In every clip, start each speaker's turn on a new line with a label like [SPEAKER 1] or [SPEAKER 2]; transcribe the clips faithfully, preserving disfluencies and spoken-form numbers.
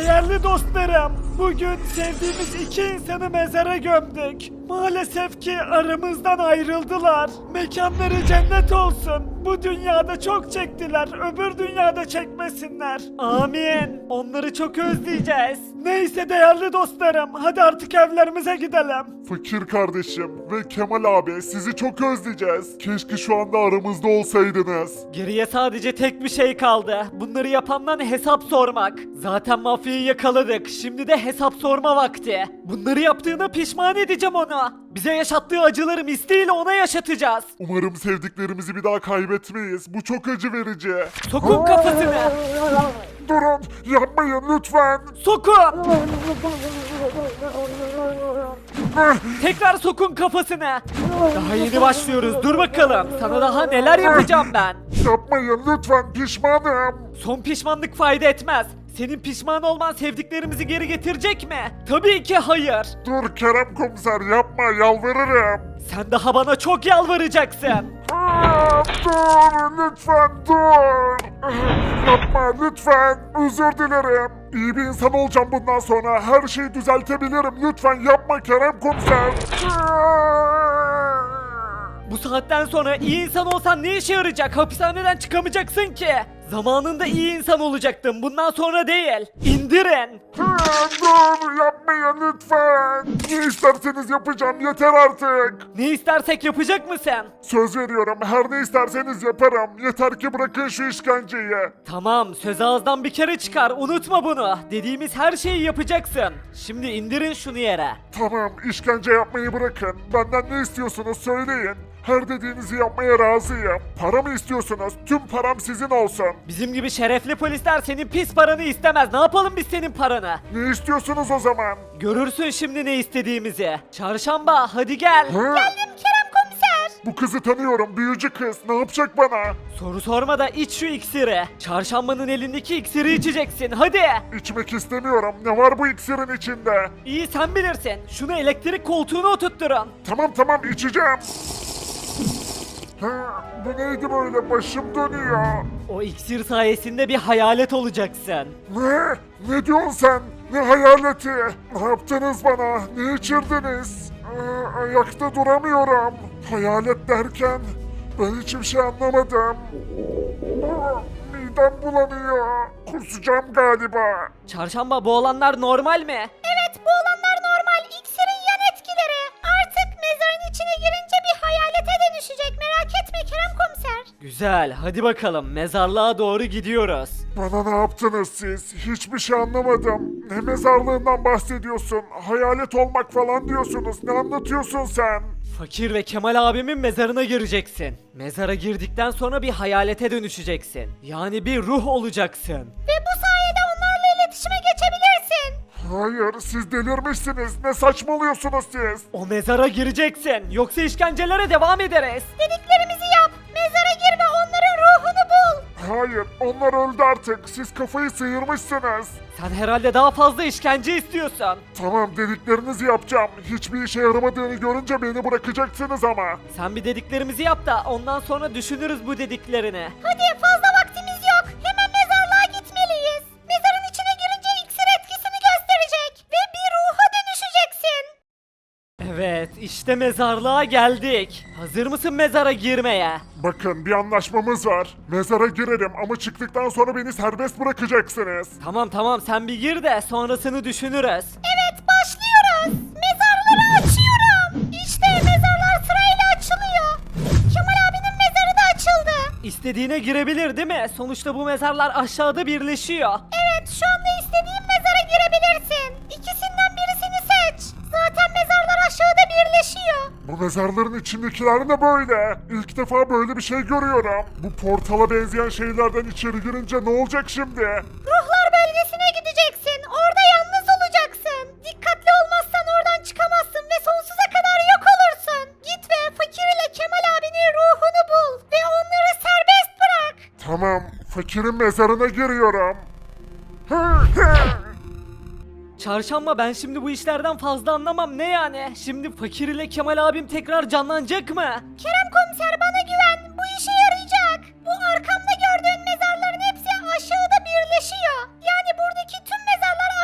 [SPEAKER 1] Değerli dostlarım, bugün sevdiğimiz iki insanı mezara gömdük. Maalesef ki aramızdan ayrıldılar. Mekanları cennet olsun. Bu dünyada çok çektiler, öbür dünyada çekmesinler. Amin. Onları çok özleyeceğiz. Neyse değerli dostlarım, hadi artık evlerimize gidelim.
[SPEAKER 2] Fakir kardeşim ve Kemal abi sizi çok özleyeceğiz. Keşke şu anda aramızda olsaydınız.
[SPEAKER 1] Geriye sadece tek bir şey kaldı. Bunları yapandan hesap sormak. Zaten mafyayı yakaladık. Şimdi de hesap sorma vakti. Bunları yaptığına pişman edeceğim onu. Bize yaşattığı acıları misliyle ona yaşatacağız.
[SPEAKER 2] Umarım sevdiklerimizi bir daha kaybetmeyiz. Bu çok acı verici.
[SPEAKER 1] Sokun kafasını.
[SPEAKER 2] Durun, yapmayın lütfen.
[SPEAKER 1] Sokun. Tekrar sokun kafasını. Daha yeni başlıyoruz. Dur bakalım. Sana daha neler yapacağım ben.
[SPEAKER 2] Yapmayın lütfen, pişmanım.
[SPEAKER 1] Son pişmanlık fayda etmez. Senin pişman olman sevdiklerimizi geri getirecek mi? Tabii ki hayır.
[SPEAKER 2] Dur Kerem komiser, yapma, yalvarırım.
[SPEAKER 1] Sen daha bana çok yalvaracaksın.
[SPEAKER 2] Aa, dur lütfen, dur. Yapma lütfen, özür dilerim. İyi bir insan olacağım bundan sonra. Her şeyi düzeltebilirim. Lütfen yapma Kerem komiser.
[SPEAKER 1] Bu saatten sonra iyi insan olsan ne işe yarayacak? Hapishaneden çıkamayacaksın ki. Zamanında iyi insan olacaktın. Bundan sonra değil. İndirin.
[SPEAKER 2] Aa, dur yapmayın lütfen. Ne isterseniz yapacağım, yeter artık.
[SPEAKER 1] Ne istersek yapacak mısın?
[SPEAKER 2] Söz veriyorum, her ne isterseniz yaparım. Yeter ki bırakın şu işkenceyi.
[SPEAKER 1] Tamam, söz ağızdan bir kere çıkar. Unutma bunu. Dediğimiz her şeyi yapacaksın. Şimdi indirin şunu yere.
[SPEAKER 2] Tamam, işkence yapmayı bırakın. Benden ne istiyorsunuz söyleyin. Her dediğinizi yapmaya razıyım. Para mı istiyorsunuz? Tüm param sizin olsun.
[SPEAKER 1] Bizim gibi şerefli polisler senin pis paranı istemez. Ne yapalım biz senin paranı?
[SPEAKER 2] Ne istiyorsunuz o zaman?
[SPEAKER 1] Görürsün şimdi ne istediğimizi. Çarşamba hadi gel.
[SPEAKER 2] Hı?
[SPEAKER 1] Kerem komiser.
[SPEAKER 2] Bu kızı tanıyorum, büyücü kız. Ne yapacak bana?
[SPEAKER 1] Soru sorma da iç şu iksiri. Çarşambanın elindeki iksiri içeceksin hadi.
[SPEAKER 2] İçmek istemiyorum. Ne var bu iksirin içinde?
[SPEAKER 1] İyi sen bilirsin. Şunu elektrik koltuğuna oturtturun.
[SPEAKER 2] Tamam tamam, içeceğim. Ha, bu neydi böyle? Başım dönüyor.
[SPEAKER 1] O iksir sayesinde bir hayalet olacaksın.
[SPEAKER 2] Ne? Ne diyorsun sen? Ne hayaleti? Ne yaptınız bana? Ne içirdiniz? Aa, ayakta duramıyorum. Hayalet derken ben hiçbir şey anlamadım. Aa, midem bulanıyor. Kusacağım galiba.
[SPEAKER 1] Çarşamba bu olanlar normal mi?
[SPEAKER 3] Evet, bu olanlar normal. İksirin yan etkileri. Artık mezarın içine girince bir hayalete dönüşecek. Merak etme Kerem komiser.
[SPEAKER 1] Güzel hadi bakalım mezarlığa doğru gidiyoruz.
[SPEAKER 2] Bana ne yaptınız siz? Hiçbir şey anlamadım. Ne mezarlığından bahsediyorsun? Hayalet olmak falan diyorsunuz. Ne anlatıyorsun sen?
[SPEAKER 1] Fakir ve Kemal abimin mezarına gireceksin. Mezara girdikten sonra bir hayalete dönüşeceksin. Yani bir ruh olacaksın.
[SPEAKER 3] Ve bu sayede onlarla iletişime geçebilirsin.
[SPEAKER 2] Hayır, siz delirmişsiniz. Ne saçmalıyorsunuz siz?
[SPEAKER 1] O mezara gireceksin. Yoksa işkencelere devam ederiz.
[SPEAKER 3] Dediklerimizi yap. Mezara gir ve onların ruhunu bul.
[SPEAKER 2] Hayır, onlar öldü artık. Siz kafayı sıyırmışsınız.
[SPEAKER 1] Sen herhalde daha fazla işkence istiyorsun.
[SPEAKER 2] Tamam, dediklerinizi yapacağım. Hiçbir işe yaramadığını görünce beni bırakacaksınız ama.
[SPEAKER 1] Sen bir dediklerimizi yap da ondan sonra düşünürüz bu dediklerini.
[SPEAKER 3] Hadi, fazla vaktimiz yok. Hemen mezarlığa gitmeliyiz. Mezarın içine girince iksir etkisini gösterecek. Ve bir ruha dönüşeceksin.
[SPEAKER 1] Evet işte mezarlığa geldik. Hazır mısın mezara girmeye?
[SPEAKER 2] Bakın, bir anlaşmamız var. Mezara girerim ama çıktıktan sonra beni serbest bırakacaksınız.
[SPEAKER 1] Tamam tamam sen bir gir de sonrasını düşünürüz.
[SPEAKER 3] Evet, başlıyoruz. Mezarları açıyorum. İşte mezarlar sırayla açılıyor. Kemal abinin mezarı da açıldı.
[SPEAKER 1] İstediğine girebilir değil mi? Sonuçta bu mezarlar aşağıda birleşiyor.
[SPEAKER 3] Evet, şu anda istediğin mezara girebilirsin. İkisinden birisini seç. Zaten mezarlar aşağıda birleşiyor.
[SPEAKER 2] Bu mezarların içindekiler ne böyle? İlk defa böyle bir şey görüyorum. Bu portala benzeyen şeylerden içeri girince ne olacak şimdi?
[SPEAKER 3] Ruhlar bölgesine gideceksin. Orada yalnız olacaksın. Dikkatli olmazsan oradan çıkamazsın ve sonsuza kadar yok olursun. Git ve Fakir ile Kemal abinin ruhunu bul ve onları serbest bırak.
[SPEAKER 2] Tamam, fakirin mezarına giriyorum.
[SPEAKER 1] Çarşamba ben şimdi bu işlerden fazla anlamam ne yani? Şimdi Fakir ile Kemal abim tekrar canlanacak mı?
[SPEAKER 3] Kerem komiser, bana güven. Bu işe yarayacak. Bu arkamda gördüğün mezarların hepsi aşağıda birleşiyor. Yani buradaki tüm mezarlar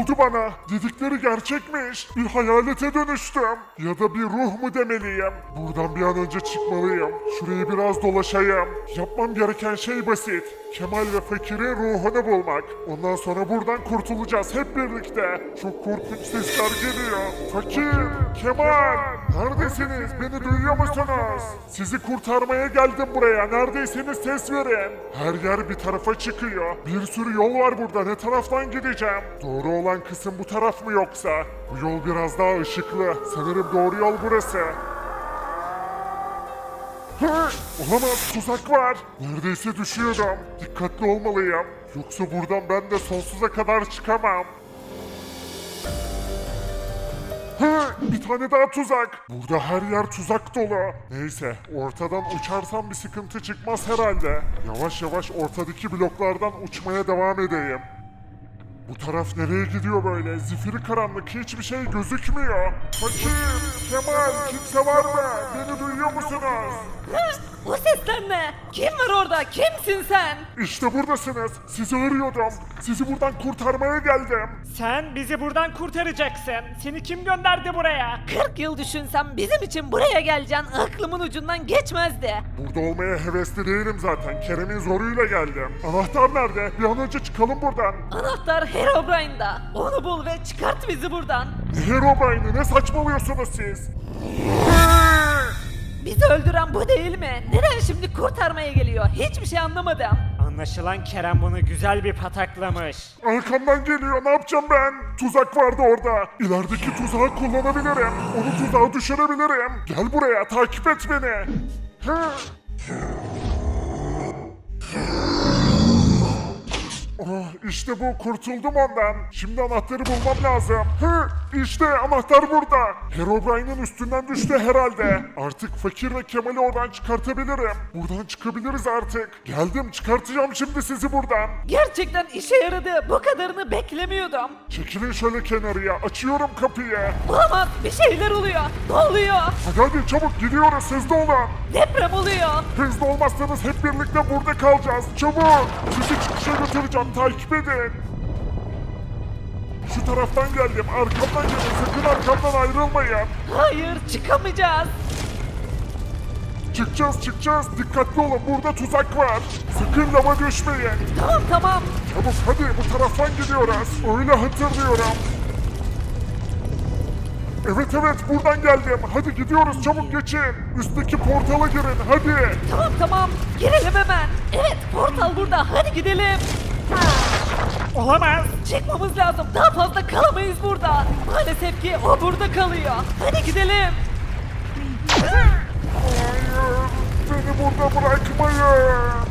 [SPEAKER 2] oldu bana? Dedikleri gerçekmiş. Bir hayalete dönüştüm. Ya da bir ruh mu demeliyim? Buradan bir an önce çıkmalıyım. Şurayı biraz dolaşayım. Yapmam gereken şey basit. Kemal ve Fakir'in ruhunu bulmak. Ondan sonra buradan kurtulacağız hep birlikte. Çok korkunç sesler geliyor. Fakir, Kemal, neredesiniz? Beni duyuyor musunuz? Sizi kurtarmaya geldim buraya. Neredeyseniz ses verin. Her yer bir tarafa çıkıyor. Bir sürü yol var burada. Ne taraftan gideceğim? Doğru olan kısım bu taraf mı yoksa? Bu yol biraz daha ışıklı. Sanırım doğru yol burası. Hı, olamaz, tuzak var. Neredeyse düşüyordum. Dikkatli olmalıyım. Yoksa buradan ben de sonsuza kadar çıkamam. Hı, bir tane daha tuzak. Burada her yer tuzak dolu. Neyse, ortadan uçarsam bir sıkıntı çıkmaz herhalde. Yavaş yavaş ortadaki bloklardan uçmaya devam edeyim. Bu taraf nereye gidiyor böyle? Zifiri karanlık, hiçbir şey gözükmüyor. Fakir, Kemal, kimse var mı? Beni duyuyor musunuz?
[SPEAKER 4] O sesler ne? Kim var orada? Kimsin sen?
[SPEAKER 2] İşte buradasınız. Sizi arıyordum. Sizi buradan kurtarmaya geldim.
[SPEAKER 1] Sen bizi buradan kurtaracaksın. Seni kim gönderdi buraya?
[SPEAKER 4] kırk yıl düşünsem bizim için buraya geleceğin aklımın ucundan geçmezdi.
[SPEAKER 2] Burada olmaya hevesli değilim zaten. Kerem'in zoruyla geldim. Anahtar nerede? Bir an önce çıkalım buradan.
[SPEAKER 4] Anahtar Herobrine'da. Onu bul ve çıkart bizi buradan.
[SPEAKER 2] Ne Herobrine'ı? Ne saçmalıyorsunuz siz?
[SPEAKER 4] Bizi öldüren bu değil mi? Neden şimdi kurtarmaya geliyor? Hiçbir şey anlamadım.
[SPEAKER 1] Anlaşılan Kerem bunu güzel bir pataklamış.
[SPEAKER 2] Arkamdan geliyor. Ne yapacağım ben? Tuzak vardı orada. İlerideki tuzağı kullanabilirim. Onu tuzağa düşürebilirim. Gel buraya. Takip et beni. Hı. Oh, işte bu, kurtuldum ondan. Şimdi anahtarı bulmam lazım. Hı, işte anahtar burada. Herobrine'in üstünden düştü herhalde. Artık Fakir ve Kemal'i oradan çıkartabilirim. Buradan çıkabiliriz artık. Geldim, çıkartacağım şimdi sizi buradan.
[SPEAKER 4] Gerçekten işe yaradı. Bu kadarını beklemiyordum.
[SPEAKER 2] Çekilin şöyle kenarıya. Açıyorum kapıyı.
[SPEAKER 4] Olamaz. Bir şeyler oluyor. Ne oluyor?
[SPEAKER 2] Hadi hadi çabuk gidiyoruz, hızlı olun.
[SPEAKER 4] Deprem oluyor.
[SPEAKER 2] Hızlı olmazsanız hep birlikte burada kalacağız. Çabuk. Sizi çıkışa götüreceğim. Takip edin. Şu taraftan geldim. Arkamdan gelin. Sakın arkamdan ayrılmayın.
[SPEAKER 4] Hayır, çıkamayacağız.
[SPEAKER 2] Çıkacağız çıkacağız. Dikkatli olun. Burada tuzak var. Sakın lava düşmeyin.
[SPEAKER 4] Tamam tamam.
[SPEAKER 2] Çabuk hadi, bu taraftan gidiyoruz. Öyle hatırlıyorum. Evet evet, buradan geldim. Hadi gidiyoruz, çabuk geçin. Üstteki portala girin hadi.
[SPEAKER 4] Tamam tamam. Girelim hemen. Evet, portal burada. Hadi gidelim.
[SPEAKER 1] Olamaz.
[SPEAKER 4] Çıkmamız lazım. Daha fazla kalamayız burada. Maalesef ki o burada kalıyor. Hadi gidelim.
[SPEAKER 2] Hayır, beni burada bırakmayın.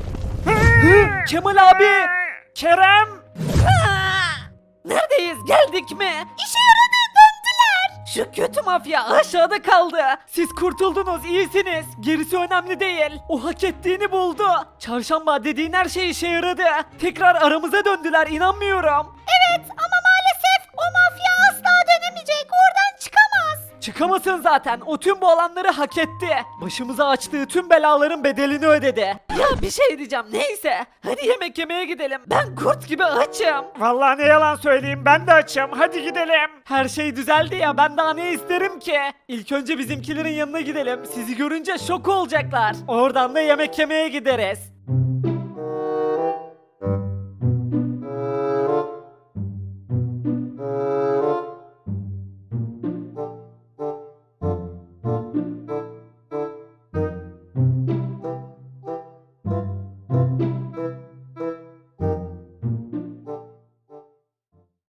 [SPEAKER 4] Kemal abi.
[SPEAKER 1] Kerem.
[SPEAKER 4] Aa! Neredeyiz? Geldik mi? İşe yaradı. Döndüler. Şu kötü mafya aşağıda kaldı.
[SPEAKER 1] Siz kurtuldunuz, iyisiniz. Gerisi önemli değil. O hak ettiğini buldu. Çarşamba dediğin her şey işe yaradı. Tekrar aramıza döndüler, inanmıyorum.
[SPEAKER 3] Evet ama maalesef o mafya asla dönemeyecek. Oradan çıkamaz.
[SPEAKER 1] Çıkamasın zaten. O tüm bu alanları hak etti. Başımıza açtığı tüm belaların bedelini ödedi.
[SPEAKER 4] Ya bir şey diyeceğim. Neyse. Hadi yemek yemeye gidelim. Ben kurt gibi açım.
[SPEAKER 1] Vallahi ne yalan söyleyeyim, ben de açım. Hadi gidelim. Her şey düzeldi ya, ben daha ne isterim ki? İlk önce bizimkilerin yanına gidelim. Sizi görünce şok olacaklar. Oradan da yemek yemeye gideriz.